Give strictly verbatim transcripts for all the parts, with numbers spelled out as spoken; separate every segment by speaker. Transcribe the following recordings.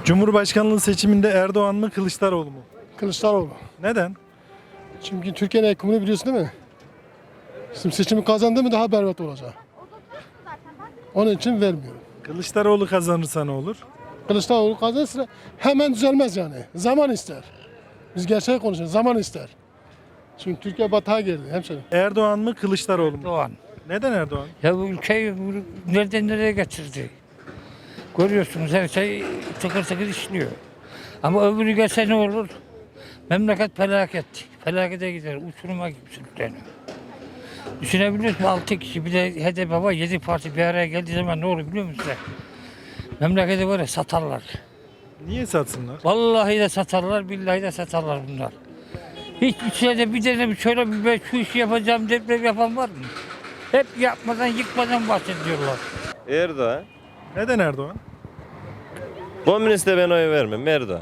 Speaker 1: Cumhurbaşkanlığı seçiminde Erdoğan mı Kılıçdaroğlu mu?
Speaker 2: Kılıçdaroğlu.
Speaker 1: Neden?
Speaker 2: Çünkü Türkiye'nin ekonomini biliyorsun değil mi? Şimdi seçimi kazandı mı daha berbat olacak. Onun için vermiyorum.
Speaker 1: Kılıçdaroğlu kazanırsa ne olur?
Speaker 2: Kılıçdaroğlu kazanırsa hemen düzelmez yani. Zaman ister. Biz gerçeği konuşuyoruz. Zaman ister. Çünkü Türkiye batağa girdi hemşerim.
Speaker 1: Erdoğan mı Kılıçdaroğlu mu?
Speaker 3: Doğan.
Speaker 1: Neden Erdoğan?
Speaker 3: Ya bu ülkeyi bu- nereden nereye getirdi? Görüyorsunuz her şey tıkır tıkır işliyor. Ama öbürü gelse ne olur? Memleket felaket. Felakete gider. Uçuruma gibi sürükleniyor. Düşünebiliyor musun? Altı kişi bir de H D P var. Yedi parti bir araya geldiği zaman ne olur biliyor musunuz? Memleketi var ya satarlar.
Speaker 1: Niye satsınlar?
Speaker 3: Vallahi de satarlar, billahi de satarlar bunlar. Hiç içeride bir tane şöyle bir ben şu işi yapacağım deprem yapan var mı? Hep yapmadan yıkmadan bahsediyorlar.
Speaker 4: Erdoğan.
Speaker 1: Neden Erdoğan?
Speaker 4: Komüniste ben oy vermem. Erdoğan.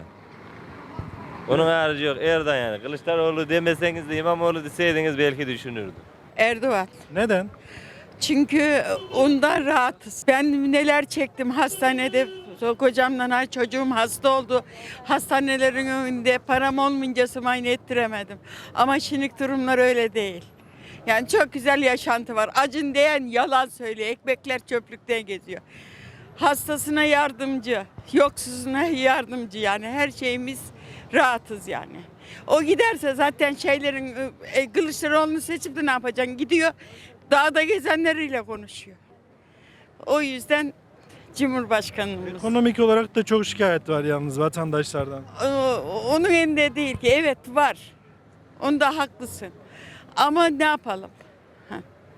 Speaker 4: Onun harici yok. Erdoğan yani. Kılıçdaroğlu demeseniz de İmamoğlu deseydiniz belki düşünürdüm.
Speaker 5: Erdoğan.
Speaker 1: Neden?
Speaker 5: Çünkü ondan rahatız. Ben neler çektim hastanede. Kocamla çocuğum hasta oldu. Hastanelerin önünde param olmayınca muayene ettiremedim. Ama şimdilik durumlar öyle değil. Yani çok güzel yaşantı var. Acın diyen yalan söylüyor. Ekmekler çöplükten geziyor. Hastasına yardımcı, yoksuzuna yardımcı yani her şeyimiz rahatız yani. O giderse zaten şeylerin e, Kılıçdaroğlu'nu seçip de ne yapacaksın? Gidiyor dağda gezenleriyle konuşuyor. O yüzden Cumhurbaşkanımız.
Speaker 1: Ekonomik olarak da çok şikayet var yalnız vatandaşlardan.
Speaker 5: O- Onun elinde değil ki. Evet var. Onda haklısın. Ama ne yapalım? Ha.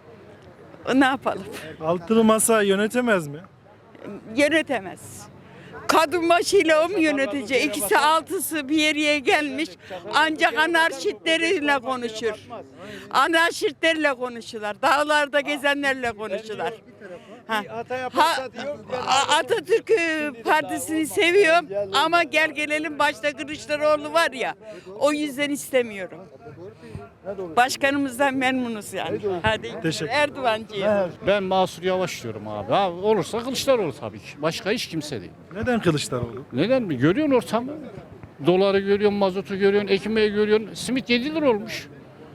Speaker 5: Ne yapalım?
Speaker 1: Altılı masa yönetemez mi?
Speaker 5: Yönetemez. Kadın başıyla o mu yönetecek? İkisi altısı bir yere gelmiş. Ancak anarşistleriyle konuşur. Anarşistlerle konuşurlar. Dağlarda gezenlerle konuşurlar. Ha. Ha, A- Atatürk Partisi'ni seviyorum ama gel gelelim başta Kılıçdaroğlu var ya. O yüzden istemiyorum. Başkanımızdan memnunuz yani. Hadi
Speaker 1: Teşekkür.
Speaker 5: Erdoğancıyım.
Speaker 6: Ben Mansur Yavaş diyorum abi. Ha, olursa Kılıçdaroğlu tabii ki. Başka hiç kimse değil.
Speaker 1: Neden Kılıçdaroğlu?
Speaker 6: Neden mi? Görüyorsun ortamı. Doları görüyorsun, mazotu görüyorsun, ekmeği görüyorsun. Simit yedi lira olmuş.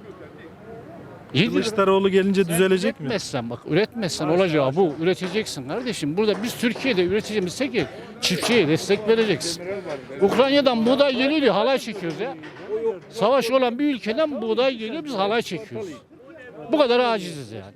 Speaker 6: yedi lira.
Speaker 1: Kılıçdaroğlu gelince düzelecek mi?
Speaker 6: Üretmezsen bak, üretmezsen olacağı bu. Üreteceksin kardeşim. Burada biz Türkiye'de üreteceğimizse ki çiftçiye destek vereceksin. Ukrayna'dan buğday geliyor diye halay çekiyoruz ya. Savaş olan bir ülkeden buğday geliyor biz halay çekiyoruz. Bu kadar aciziz yani.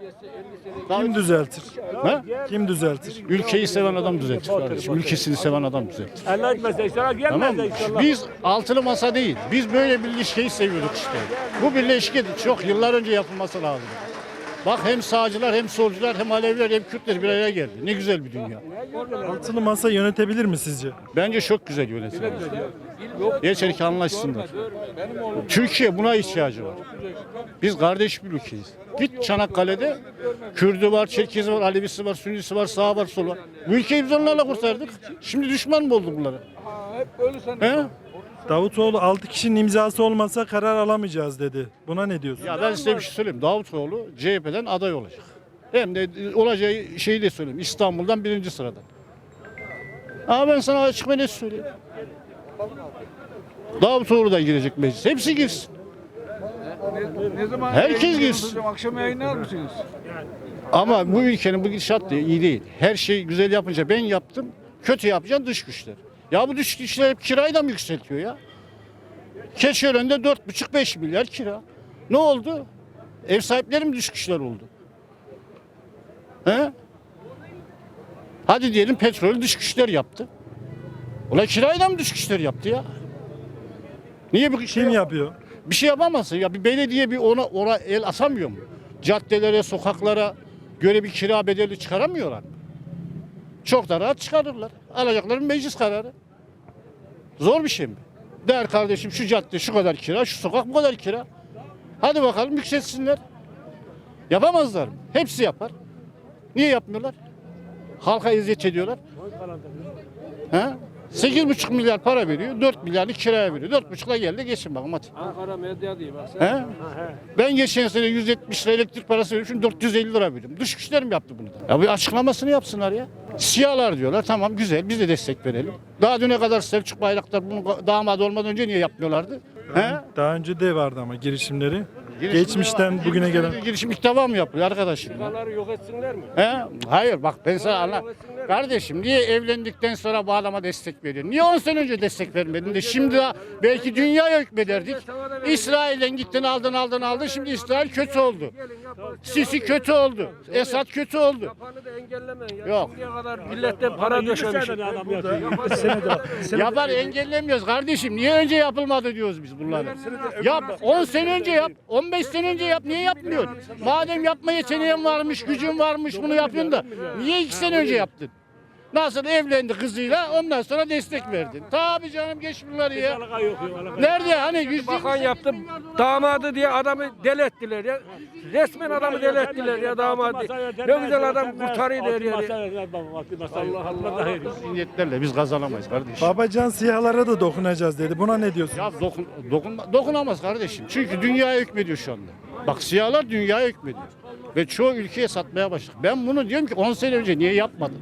Speaker 1: Kim düzeltir?
Speaker 6: Ha?
Speaker 1: Kim düzeltir?
Speaker 6: Ülkeyi seven adam düzeltir kardeşim. Ülkesini seven adam düzeltir.
Speaker 7: Allah etmezse inşallah gelmez
Speaker 6: Tamam
Speaker 7: de
Speaker 6: mı?
Speaker 7: inşallah.
Speaker 6: Biz altılı masa değil. Biz böyle bir ilişkiyi seviyorduk işte. Bu birleşki çok yıllar önce yapılması lazım. Bak hem sağcılar hem solcular hem Aleviler hem Kürtler bir araya geldi. Ne güzel bir dünya.
Speaker 1: Altılı masa yönetebilir mi sizce?
Speaker 6: Bence çok güzel yönetilir. Yeter ki anlaşsınlar. Türkiye buna ihtiyacı var. Biz kardeş bir ülkeyiz. Git Çanakkale'de Kürdü var, Çerkezi var, Alevisi var, Sünnisi var, sağı var, solu var. Bu ülkeyi biz onlarla kurtardık. Şimdi düşman mı oldu bunlara? He?
Speaker 1: Davutoğlu altı kişinin imzası olmasa karar alamayacağız dedi. Buna ne diyorsun?
Speaker 6: Ya ben size bir şey söyleyeyim. Davutoğlu C H P'den aday olacak. Hem de olacağı şeyi de söyleyeyim. İstanbul'dan birinci sıradan. Ama ben sana açık ve net söyleyeyim. Davutoğlu da girecek meclis. Hepsi girsin.
Speaker 7: Ne zaman
Speaker 6: Herkes girsin.
Speaker 7: Akşam yayınlar mısınız?
Speaker 6: Ama bu ülkenin bu gidişat da iyi değil. Her şey güzel yapınca ben yaptım. Kötü yapacaksın dış güçler. Ya bu dış güçler hep kirayı da mı yükseltiyor ya? Keçiören'de dört buçuk beş milyar kira. Ne oldu? Ev sahipleri mi dış güçler oldu? He? Hadi diyelim petrolü dış güçler yaptı. Ulan kirayı da mı dış güçler yaptı ya? Niye bu
Speaker 1: Kim yapıyor?
Speaker 6: Bir şey yapamazsın ya. Bir belediye bir ona, ona el asamıyor mu? Caddelere, sokaklara göre bir kira bedeli çıkaramıyorlar. Çok da rahat çıkarırlar. Alacakları meclis kararı. Zor bir şey mi? Der kardeşim şu cadde şu kadar kira, şu sokak bu kadar kira. Hadi bakalım yükseltsinler. Yapamazlar mı? Hepsi yapar. Niye yapmıyorlar? Halka eziyet ediyorlar. He? sekiz buçuk milyar para veriyor, dört milyarlık kiraya veriyor. dört buçukla geldi geçin bakalım hadi.
Speaker 7: Ankara medya diye bak sen.
Speaker 6: He? Ben geçen sene yüz yetmiş lira elektrik parası veriyorum, şimdi dört yüz elli lira veriyorum. Dış güçler mi yaptı bunu da? Ya bir açıklamasını yapsınlar ya. Siyahlar diyorlar, tamam güzel, biz de destek verelim. Daha düne kadar Selçuk Bayraktar bunu damat olmadan önce niye yapmıyorlardı? He?
Speaker 1: Daha önce de vardı ama girişimleri.
Speaker 6: Girişimler
Speaker 1: Geçmişten
Speaker 6: var.
Speaker 1: bugüne gelen.
Speaker 6: Girişim ilk defa mı yapıyor arkadaşım? ya?
Speaker 7: Dağları yok etsinler mi?
Speaker 6: He? Hayır bak ben sana anla. Kardeşim niye evlendikten sonra bu adama destek veriyorsun? Niye on sene önce destek vermedin de şimdi daha belki dünyaya hükmederdik. İsrail'den gittin aldın aldın aldın şimdi İsrail kötü oldu. Sisi kötü oldu. Esad kötü oldu.
Speaker 7: Yapanı da engellemeyin ya.
Speaker 6: Yok.
Speaker 7: Şimdiye kadar milletten para döşemiş.
Speaker 6: Yapar engellemiyoruz kardeşim. Niye önce yapılmadı diyoruz biz bunları. Yap on sene önce yap. on beş sene önce yap. Niye yapmıyorsun? Madem yapma yeteneğin varmış, gücün varmış bunu yapıyorsun da niye iki sene önce yaptın? Nasıl evlendi kızıyla ondan sonra destek verdin. Tabii canım geç bunları ya. Nerede hani yüz
Speaker 7: Bakan yaptı. Damadı diye adamı deli ettiler ya. Resmen adamı deli ettiler ya damadı. Ne güzel adam kurtarıyor der ya. Allah Allah.
Speaker 6: zihniyetlerle biz kazanamayız kardeşim.
Speaker 1: Babacan siyahlara da dokunacağız dedi. Buna ne diyorsun?
Speaker 6: Ya dokun, dokunma, dokunamaz kardeşim. Çünkü dünyaya hükmediyor şu anda. Bak siyahlar dünyaya hükmediyor. Ve çoğu ülkeye satmaya başladı. Ben bunu diyorum ki on sene önce niye yapmadın?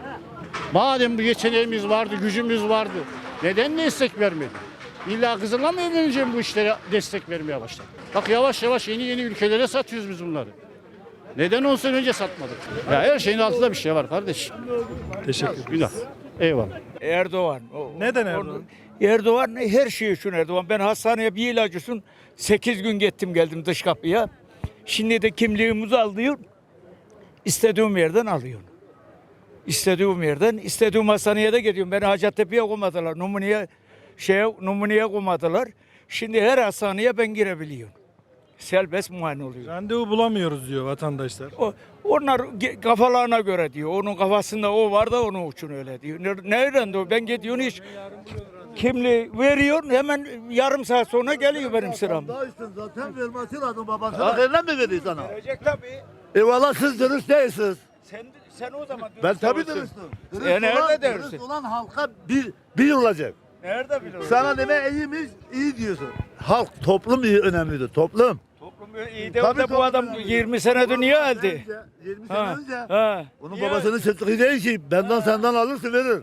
Speaker 6: Madem bu yeteneğimiz vardı, gücümüz vardı. Neden destek vermedin? İlla kızınla mı evleneceğim bu işlere destek vermeye başladı? Bak yavaş yavaş yeni yeni ülkelere satıyoruz biz bunları. Neden on sene önce satmadık? Ya her şeyin altında bir şey var kardeşim.
Speaker 1: Teşekkür ederim.
Speaker 6: Günah. Eyvallah.
Speaker 8: Erdoğan. O-
Speaker 1: Neden
Speaker 8: o-
Speaker 1: Erdoğan?
Speaker 8: Erdoğan her şey için Erdoğan. Ben hastaneye bir ilacısın sekiz gün gittim geldim dış kapıya. Şimdi de kimliğimizi alıyor. İstediğim yerden alıyorum. İstediğim yerden, istediğim hastaneye de gidiyorum. Beni Hacettepe'ye koymadılar. Numuneye, şeye, numuneye koymadılar. Şimdi her hastaneye ben girebiliyorum. Serbest muayene oluyor.
Speaker 1: Randevu bulamıyoruz diyor vatandaşlar.
Speaker 8: O, onlar ge- kafalarına göre diyor. Onun kafasında o var da onun için öyle diyor. Ne- Nereden diyor? Ben gidiyorum hiç kimliği veriyor hemen yarım saat sonra geliyor benim sıram.
Speaker 9: Daha üstün zaten vermesi lazım babasına. Hakkından mi veriyor sana?
Speaker 8: Verecek tabii.
Speaker 9: Eyvallah siz dürüst değilsiniz.
Speaker 8: Sen, sen o zaman
Speaker 9: Ben
Speaker 8: dürüst
Speaker 9: tabii
Speaker 8: olursun.
Speaker 9: dürüstüm. Dürüst,
Speaker 8: E, nerede
Speaker 9: olan,
Speaker 8: dürüstsün?
Speaker 9: dürüst olan halka bir, bir olacak.
Speaker 8: Nerede biliyorsun?
Speaker 9: Sana deme iyiymiş, iyi diyorsun. Halk, toplum iyi önemlidir, toplum.
Speaker 8: Toplum iyi de,
Speaker 9: Tabii
Speaker 8: de bu
Speaker 9: toplum
Speaker 8: adam
Speaker 9: önemli.
Speaker 8: yirmi senedir niye öldü?
Speaker 9: Önce, yirmi sene
Speaker 8: Ha,
Speaker 9: önce.
Speaker 8: ha.
Speaker 9: Onun
Speaker 8: Niye
Speaker 9: babasının çıktığı değil ki. Benden senden alırsa verir.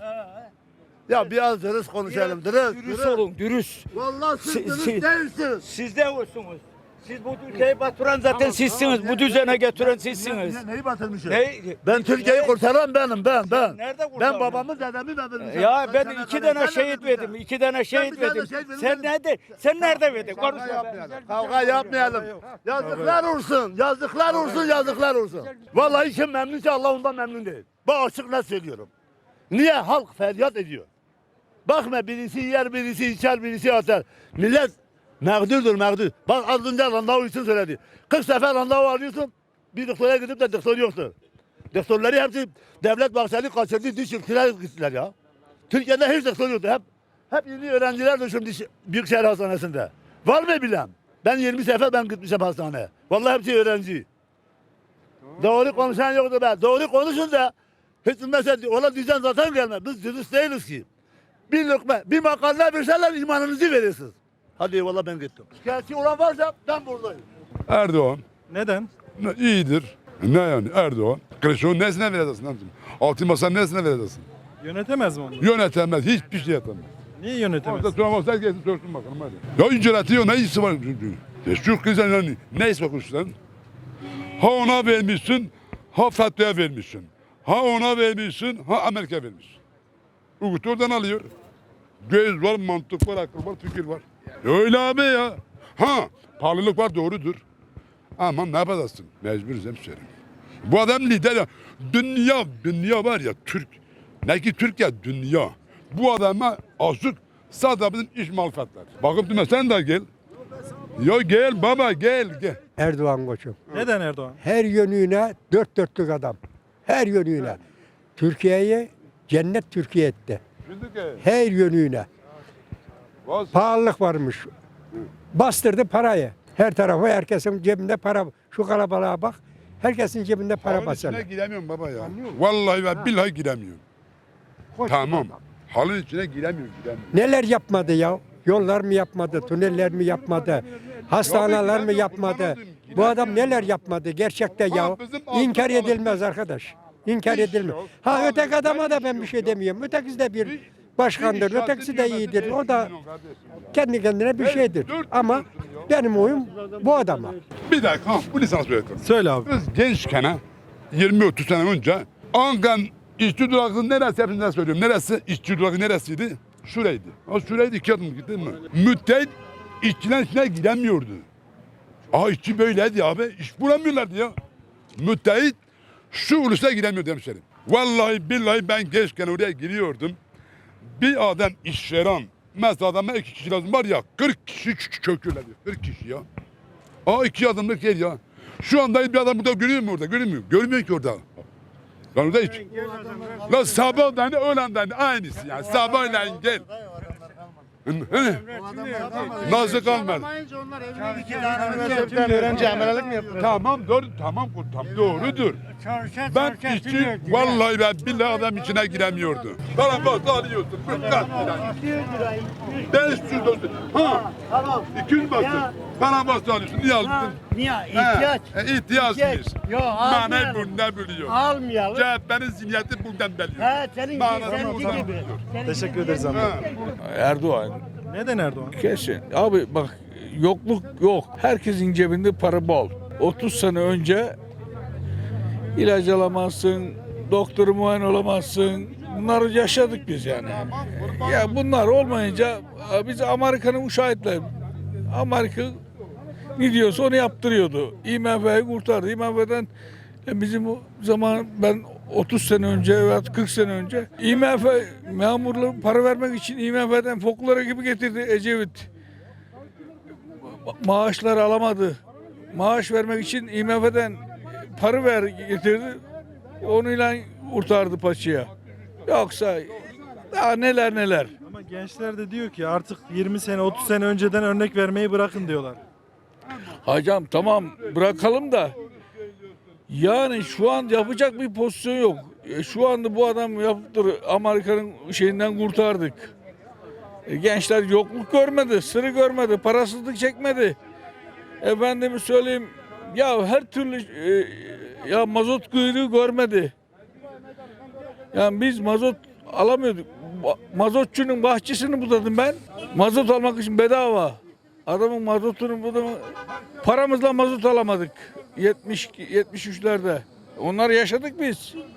Speaker 9: Ya biraz dürüst konuşalım, dürüst.
Speaker 8: Dürüst
Speaker 9: dürüst.
Speaker 8: olun, dürüst.
Speaker 9: Vallahi siz
Speaker 8: Si-
Speaker 9: dürüst
Speaker 8: si-
Speaker 9: değilsiniz.
Speaker 8: Siz de olsunuz. Siz bu ülkeyi batıran zaten sizsiniz. Bu düzene getiren sizsiniz.
Speaker 9: Ne, neyi batırmışım?
Speaker 8: Ne?
Speaker 9: Ben Türkiye'yi kurtaran benim, ben, ben.
Speaker 8: Nerede
Speaker 9: Ben
Speaker 8: kurtardın?
Speaker 9: babamı, dedemi vermişim.
Speaker 8: Ya ben
Speaker 9: Sen
Speaker 8: iki
Speaker 9: kadar-
Speaker 8: tane
Speaker 9: sen
Speaker 8: şehit
Speaker 9: ne verdin
Speaker 8: verdim. iki tane şehit
Speaker 9: bir tane
Speaker 8: verdim.
Speaker 9: şehit verdin.
Speaker 8: Sen nerede? Sen nerede verdin? Konuş.
Speaker 9: Kavga yapmayalım. Kavga yapmayalım. Yazıklar olsun. Yazıklar olsun. Yazıklar olsun. Vallahi kim memnunsa Allah ondan memnun değil. Bak açık ne söylüyorum. Niye? Halk feryat ediyor. Bakma birisi yer, birisi içer, birisi atar. Millet mağdurdur mağdur. Bak az önce randevu için söyledi. kırk sefer randevu alıyorsun. Bir doktora gidip de doktor yoktur. Doktorları hepsi devlet bahçeli kaçırdı. Diş ülkeler gittiler ya. Türkiye'de hiç doktor yoktu. Hep, hep yeni öğrenciler düşün diş, Büyükşehir Hastanesi'nde. Var mı bilen? Ben yirmi sefer ben gitmişim hastaneye. Vallahi hepsi öğrenci. Doğru konuşan yoktu be. Doğru konuşun da hiç mesela ona diyeceğim zaten gelme. Biz dürüst değiliz ki. Bir lokma, bir makarna verseler imanınızı verirsiniz. Hadi eyvallah ben gittim. Şikayetçi olan varsa ben buradayım.
Speaker 10: Erdoğan
Speaker 1: Neden?
Speaker 10: ne- iyidir. Ne yani Erdoğan? Kılıçdaroğlu nesine vereceksin? abicim? Altın masa nesine vereceksin?
Speaker 1: Yönetemez mi onu?
Speaker 10: Yönetemez, hiçbir şey yapamaz.
Speaker 1: Niye yönetemez?
Speaker 10: Orada tutamaz, herkes sorsun bakalım hadi. Ya inceletiyor, ne işi var? Ya şu kızın yani, ne iş bakmışsın? Ha ona vermişsin, ha FETÖ'ye vermişsin. Ha ona vermişsin, ha Amerika vermişsin. Uygut oradan alıyor. Göz var, mantık var, akıl var, fikir var. Öyle abi ya. Ha, pahalılık var doğrudur. Ama ne yapacaksın? Mecburuz hemşerim. Bu adam lider ya. Dünya, dünya var ya Türk. Ne ki Türkiye dünya. Bu adama azıcık sadece bizim iş malfatlar. Bakıp durma sen de gel. Ya gel baba gel gel.
Speaker 11: Erdoğan koçum.
Speaker 1: Neden Erdoğan?
Speaker 11: Her yönüne dört dörtlük adam. Her yönüne. Türkiye'yi cennet Türkiye etti. Her yönüne. Pahalılık varmış. Bastırdı parayı. Her tarafa herkesin cebinde para. Şu kalabalığa bak. Herkesin cebinde para
Speaker 10: Halkın
Speaker 11: basar.
Speaker 10: içine giremiyorum baba ya.
Speaker 11: Anlıyor musun?
Speaker 10: Vallahi ve
Speaker 11: Ha.
Speaker 10: billahi giremiyorum.
Speaker 11: Hoş
Speaker 10: Tamam.
Speaker 11: adam.
Speaker 10: halın içine giremiyor, giremiyor.
Speaker 11: Neler yapmadı ya? Yollar mı yapmadı, tüneller mi yapmadı, hastaneler mi yapmadı? Bu adam neler yapmadı gerçekten ya? İnkar edilmez arkadaş. İnkar edilmez. Ha öteki adama da ben bir şey demiyorum. Ötekisi de bir başkandır, ötekisi de iyidir. O da kendi kendine bir şeydir. Ama benim oyum bu adama.
Speaker 10: Bir dakika, ha, bu lisans öğretmen.
Speaker 1: Söyle abi.
Speaker 10: Biz gençken ha, yirmi otuz sene önce Ankan işçi durağı neresi hepsinden söylüyorum. Neresi? İşçi durağı neresiydi? Şuraydı. O şuraydı iki adım gittin mi? Müteahhit işçilerin içine giremiyordu. Aa işçi böyleydi abi. İş bulamıyorlardı ya. Müteahhit şu ulusa giremiyordu hemşerim. Vallahi billahi ben gençken oraya giriyordum. Bir adam işveren. Mesela adama iki kişi lazım var ya. kırk kişi köküyorlar diyor. kırk kişi ya. Aa iki adımlık yer ya. Şu anda bir adam burada görüyor mu orada? Görmüyor. Görmüyor ki orada. Lan orada hiç. Lan sabahdan öğlenden aynısı yani. Sabahleyin gel. Nasıl kalmadı?
Speaker 2: Öğrenci emelelik mi yapıyor?
Speaker 10: Tamam doğru, tamam tam doğrudur. Ben işçi, vallahi ben billahi adam içine giremiyordu. Bana bak alıyorsun, mükkat beş yüz olsun. Ha, iki yüz basın. Bana bak alıyorsun, niye aldın?
Speaker 9: Niye? İhtiyaç.
Speaker 10: He, ihtiyaçmış.
Speaker 9: Yok
Speaker 10: Manayı
Speaker 9: almayalım.
Speaker 10: bundan biliyor.
Speaker 9: Almayalım.
Speaker 10: C H P'nin zihniyeti bundan biliyor.
Speaker 9: He senin
Speaker 10: Manasını
Speaker 9: seninki
Speaker 10: bundan
Speaker 9: gibi.
Speaker 10: biliyor.
Speaker 1: Teşekkür ederiz abi.
Speaker 10: Ha.
Speaker 7: Erdoğan
Speaker 1: Neden Erdoğan?
Speaker 7: kesin. Abi bak yokluk yok. Herkesin cebinde para bol. otuz sene önce ilaç alamazsın, doktoru muayene olamazsın. Bunları yaşadık biz yani. Ya bunlar olmayınca biz Amerika'nın uşağıydılar. Amerika ne diyorsa onu yaptırıyordu. I M F'yi kurtardı. I M F'den bizim o zaman ben otuz sene önce veya kırk sene önce I M F memurları para vermek için I M F'den foklara gibi getirdi Ecevit. Maaşları alamadı. Maaş vermek için I M F'den para ver getirdi. Onunla kurtardı paçaya. Yoksa daha neler neler.
Speaker 1: Ama gençler de diyor ki artık yirmi sene otuz sene önceden örnek vermeyi bırakın diyorlar.
Speaker 7: Hocam tamam bırakalım da yani şu an yapacak bir pozisyon yok. E, şu anda bu adam yaptır Amerika'nın şeyinden kurtardık. E, gençler yokluk görmedi, sırrı görmedi, parasızlık çekmedi. Efendime söyleyeyim ya her türlü e, ya mazot kuyruğu görmedi. Yani biz mazot alamıyorduk. Ba- Mazotçunun bahçesini budadım ben. Mazot almak için bedava. Adamın mazotunu budadım. Paramızla mazot alamadık. yetmiş yetmiş üçlerde. Onları yaşadık biz.